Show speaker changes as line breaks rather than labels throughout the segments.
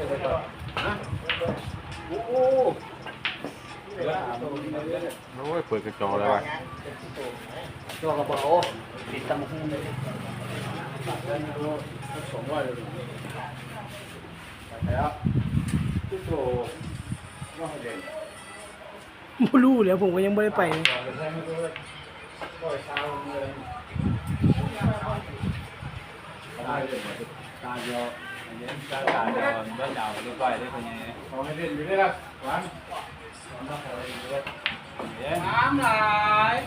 โอ้
ยเปิดกระจกเลยว่ะ
จอกระเป๋าติดตำหุ้งเลย200เลยแล้วทุกโตว่าเด่น
ไม่รู้เลยผมก็ยังไม่ได้ไป
ตาเดียวตาเดียวเมื่อเจ้าเรียบร้อยได้เป็นไงขอให้เด่นอยู่ได้ละหวานน้ำลาย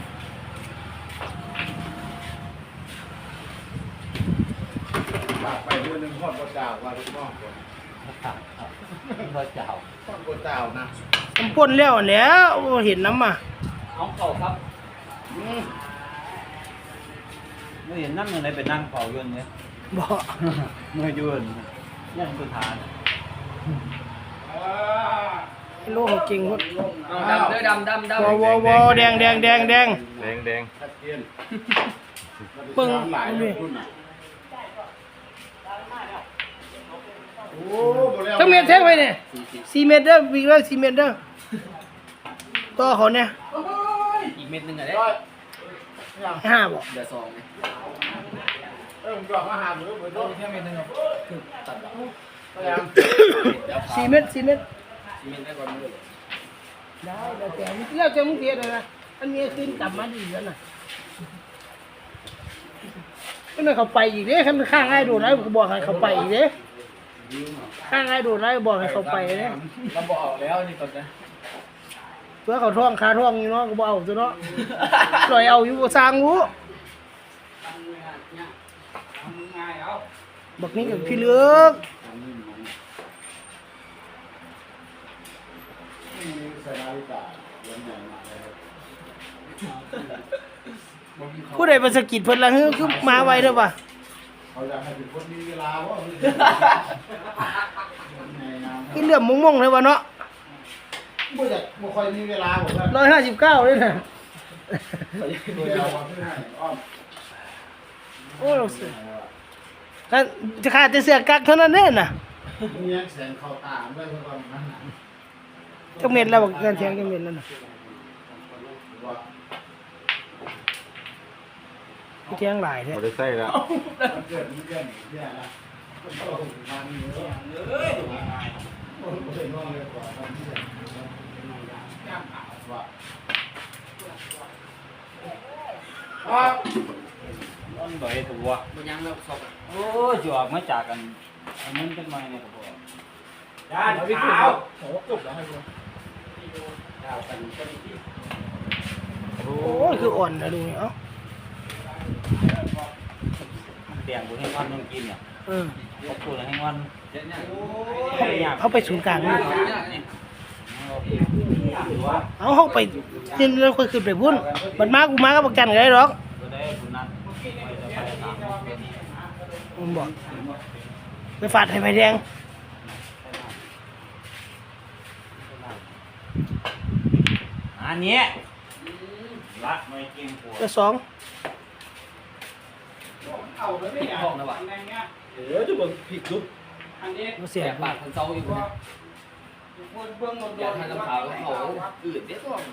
ไปเดือนหนึ่งทอดกระเจ้าว่าลูกน้องคนทอดเจ้าทอดกระเจ้านะ
ผมพ่นแล้วแล้วเห็นน้ำอ่ะ
น้องเข่าครับไม่เห็นนั่งอยู่ในเป็นนั่งเข่ายืนเนี่ย
บ่
เมื่อยืนนั่งคือทาน
โลกเก่งหมด
ดำเลยดำ
วอแดงปึ้งทั้งเม็ดแท่งไปเนี่ย4 เมตรเด้อวิ่งแล้ว4 เมตรเด้อต่อเขาเนี่ย
อีกเม็ดนึงอะไร
5บ่
เดี๋ยว2เนี่ยผมบอกว่าหามือโดนแค่เม็ดนึงคือตัด
4 เมตร
4เม็ดได้ก่อนมือ
ได้แล้วแต่มึงเทียดนะอันนี้ขึ้นกลับมาดีแล้วน่ะก็เลยเขาไปอีกเด้ข้างง่ายโดดแล้วบอกให้เขาไปอีกเด้ข้างง่ายโดดแล้วบอกให้เขาไปเด้
เราบอกแล้วนี่ก่อนนะ
เพื่อเขาท่องคาท่องอยู่เนาะก็บ่เอาซะเนาะปล่อยเอาอยู่บ่สร้างรู้บักนี้กับพี่เลือกผู้ใดมาสะกิดเพิ่นละคือมาไวเด้อป่ะ
เขาอยากให้เป็นคนมีเวลาว่า
คือเรื่องมงๆเลยว่ะเนาะ
บ่ค่อยมีเวลาผม
159เลยน่ะโอ้เราเสือถ้าจะขาดแต่เสือกักเท่านั้นเด้น่ะ
มีแสงเข้าตาด้วยเพิ่นว่ามัน
จักเม็ดแล้วบักกันแทงจักเม็ดนั่นน่ะเที่ยงหลายแท้
บ่ได้ใส่แล้ว
เกิดมีเรื่องเนี่ยนะมันเอ้ยโอ้ยน้องเลยกว่ามันที่ย่างขาวว่าต้นใบถั่วมันยังแล้วสอบโอ้ยจอกมาจากกันอันนั้นเป็นไม้เนี่ยครับพ่อย่านขาวโหจบแล้วให้ดูดาวกัน
โอ้ยคืออ่อนนะดูเอ้า
เตียงบุญให้วันต้องกินเนี่ยขอบคุณให้วัน
เขาไปศูนย์กลางนี่เขาไปนี่เราเคยขึ้นไปพุ่นมันมากูมาก็ประกันกันได้หรอกผมบอกไปฝาดให้ไฟแดง
อันนี้รักไม่กินหัว
ก็2
เอาแล้วไม่ห้องนะวะจะเบิ่งผิดลุกอันนี้
เสีย
ปากคนเศร้าอยู่นะอยากทานน้ำขาวเขาอื่นเด็ดต้อง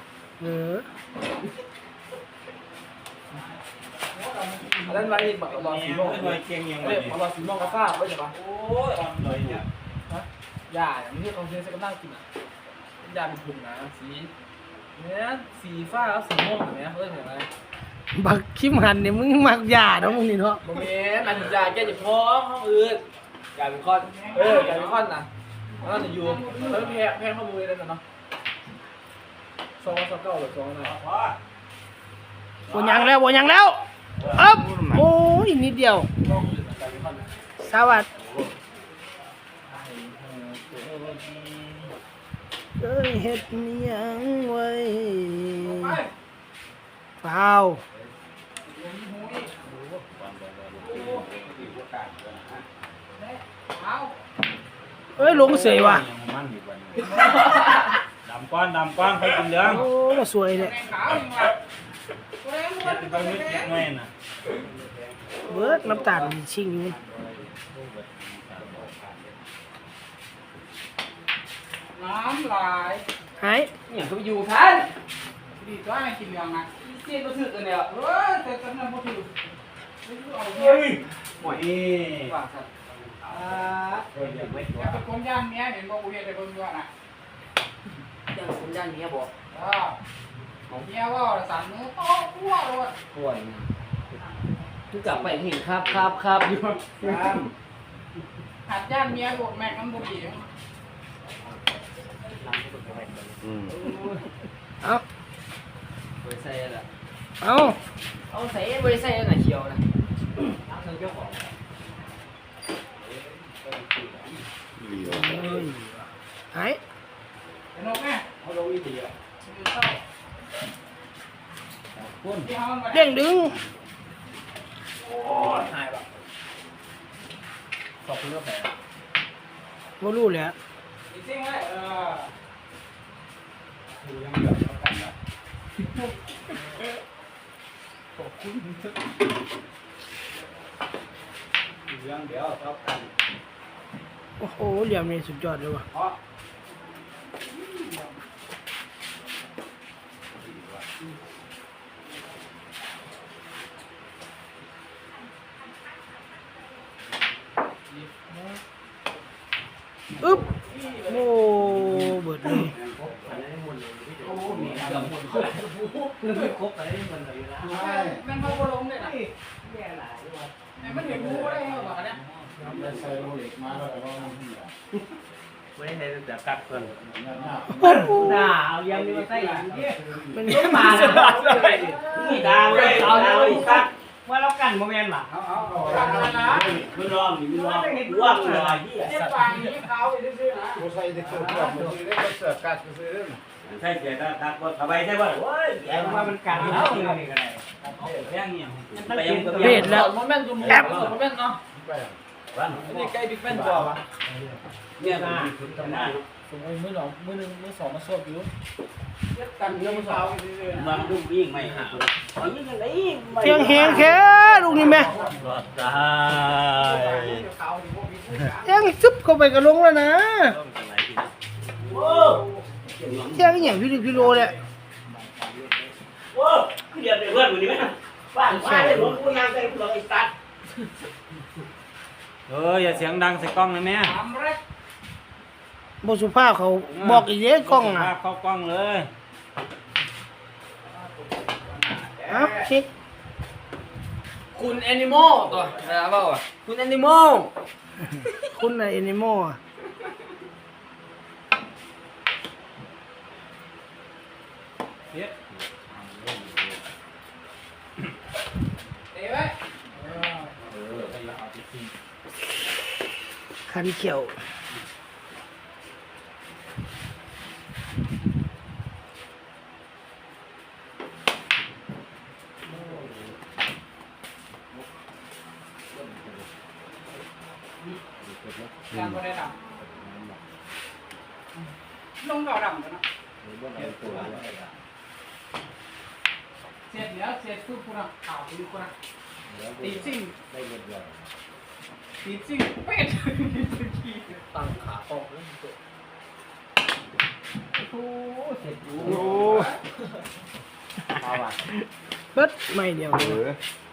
นั่นไรบักบอลสีม่วงเก่งยังไงบอลสีม่วงกาฟ้าไว้ใช่ปะโอ้ยอ่อนเลยเนี่ยยาอย่างนี้ต้องเชื่อสักนั่งกินอ่ะยาเป็นถุงนะสีเนี่ยสีฟ้าแล้วสีม่วงแบบนี้เฮ้ยเห็นไหม
บักคิมหันเนี่ยมึงมักยาเนาะมึงนี่เนาะ
โมเมนต์อันยาแก้เจ็บท้องห้องอื่นยาเป็นคอนยาเป็นคอนนะแล้วจะอยู่แล้วแพงข้อมือเลยนะเนาะ229หรือ2นะ
บ่ยังแล้วอ๊บโอ้ยนิดเดียวสวัสดีเอ้ยเฮ็ดยังไว้เปล่าเอ้ยลงเสยว่ะ
ดำก้อนเขากินเรื่อง
โอ้มาสวยเนี่ยเบิร์ดน้ำตาลชิงอยู่
น้ำลาย
หาย
เนี่ยก็ไปอยู่ท่าน
ดีตัวให้กินยังไง
เสียก็ถือกันเนี่ย
แต่ตอนนั้นพอถือเอา
เฮ้ย
หมวย
ว่าสัตว์
อย่าเป็นคนย่างเนี้ยเห็นบอกกูเห็นแต่คนด้วยนะ
ยังผมย่านนี้บอก
เนี้ยว่าสั่งมือโต๊ะทั่วเลย
ป่วยคือกลับไปเห็นครับอยู่
หัดย่านเมียบวกแม็กน้ำบุหรี่
อืม
เอา
บริษัทละ
เอา
เอาใส่บริษัทไหนเชียวนะน้ำเธอเจ้าของ
เหลียว
หาย
เป็นนกแม่
เขาลงอีกทีอ่ะ
อยู่เศร้าที่ห้องมา
เด้งดึง
หายปะขอบคุณก็แผล
บ่รู้แหละ
จริงไหม
คือยังเหลือเท่ากันนะ
ขอบคุณ
เรื่องเดียวเท่ากัน
โอ้โหเหลี่ยมนี่สุดยอดเลยว่ะ
เพราะ
อึ๊บโอ้เบิดเลย
โอ้มี
เกือบหมดไม่ครบอะไรมันเลยนะ
แม่งเขาก็ลงเลยนะมันเห็นงูได้เหรอเนี่ย
มันใส่โรเล็กมาแล้วก็มันเหี้ย
ไม่ได้ให้แต่กัดเพิ่น
โอ้โห
ด่าเอายังนี่มาใส่อีกเนี่ย
มัน
ต้อมาเลยนี่ด่าเลยเอาเลยสักว่าเรากันโมเมนต์หรอ
เอา
กันนะ
ไม่รอมนี่ไม่รอมว่างเลยที่
เจ็บปากนี้เขาไปซื้อนะ
กูใส่ได้เสื้อผ้ามันซื้อได้เสื้อกัดซื้อได้ใช่เสียตักก็สบายใช่ป่ะโอ้ยแย่ว่ามันกันแล้วนี่ก็ได้แย่งเนี่ย
เบ็ดแล้ว
โมเมนต์จุ่มโมเมนต์เนาะ
ไป
นี่ใกล้บิ๊กแมนกว่าวะ
เนี่ยนะทำหน้า
ผมเอามือหนอมือหนึ่งมือสองมาสวบอยู่
กันเรื่องเขาไปซื้อนะ
มันดูวิ่งไม่หายิ่งอะไร
เสียงแหงแค่ลูกนี่แม่
รอดได้
เขาที่พวกนี้
ยังซึบเข้าไปกระลงแล้วนะ
ต้องอะไรทีนะโอ้
เสียงอย่างพี่ลิพี่โลเนี่ย
โหเดี๋ยวเพื่อนคนนี้ไหมบ้านบ้านเลยผมกูยังใจกูเลยตัด
อย่าเสียงดังใส่กล้องนะแม่
ทำแรก
บสุภาพเขาบอกอีกเด้กล้องนะ
ภาพเข้ากล้องเลย
เอ้าเช็ค
คุณแอนิมอลตัวนะเปล่าอ่ะคุณแอนิมอล
คุณน่ะแอนิมอลอะ
เดี๋ยวไว้
คันเขียว
การก็ได้ดำลงเก่าดำกันนะเสร็จแล้วเสร็จทุกคนข่าวไปดูคนตีซิ่งตีซิ่งเป็ด
ตั้งขาออกแล้วตัว
โอ้เสร็จ
โอ้เบิดไม่เดียว
เอ
เลย
อ